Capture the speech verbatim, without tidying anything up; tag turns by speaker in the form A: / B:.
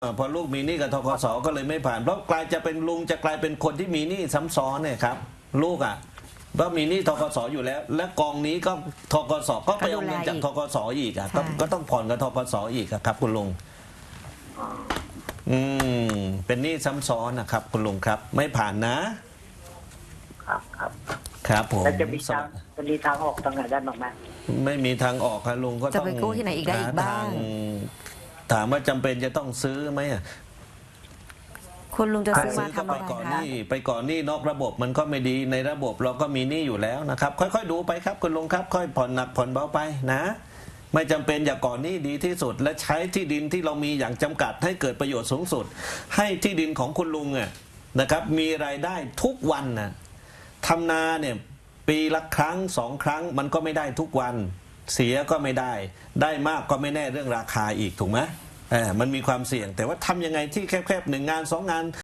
A: อ่าพอลูกมีหนี้กับธกสก็เลยไม่ผ่านเพราะกลายจะเป็นลุงจะกลายเป็นคนที่มีหนี้ซ้ำซ้อนเนี่ยครับลูกอ่ะเพราะมีหนี้ธกสอยู่แล้ว และกองนี้ก็ธกสก็ไปเอาเงินจากธกสอีกอ่ะก็ก็ต้องผ่อนกับธกสอีกอะครับคุณลุงอืมเป็นหนี้ซ้ำซ้อนนะครับคุณลุงครับไม่ผ่านนะครับ
B: ครับ
A: ครับผม
B: แล้วจะมีทางจะมีทางออกตรงไหนได้บ้างไหม
A: ไม่มีทางออกครับลุงก็
C: จะ
A: ต้อง
C: ไปกู้ที่ไหนอีกได้อีกบ้าง
A: หทถามว่าจำเป็นจะต้องซื้อไหมอ่ะ
C: คุณลุงจะซื้อมา
A: ก็
C: ทำ
A: ไป
C: อะไร
A: ก่อนห
C: คะ
A: นี้ไปก่อนหนี้นอกระบบมันก็ไม่ดีในระบบเราก็มีหนี้อยู่แล้วนะครับ ค่อยๆดูไปครับคุณลุงครับ ค่อยผ่อนหนักผ่อนเบาไปนะ ไม่จำเป็นอย่าก่อนหนี้ดีที่สุด และใช้ที่ดินที่เรามีอย่างจำกัดให้เกิดประโยชน์สูงสุด ให้ที่ดินของคุณลุงอ่ะนะครับมีรายได้ทุกวันนะทำนาเนี่ยปีละครั้งสองครั้งมันก็ไม่ได้ทุกวันเสียก็ไม่ได้ ได้มากก็ไม่แน่เรื่องราคาอีกถูกไหมเออมันมีความเสี่ยงแต่ว่าทำยังไงที่แคบๆหนึ่งงานสองงาน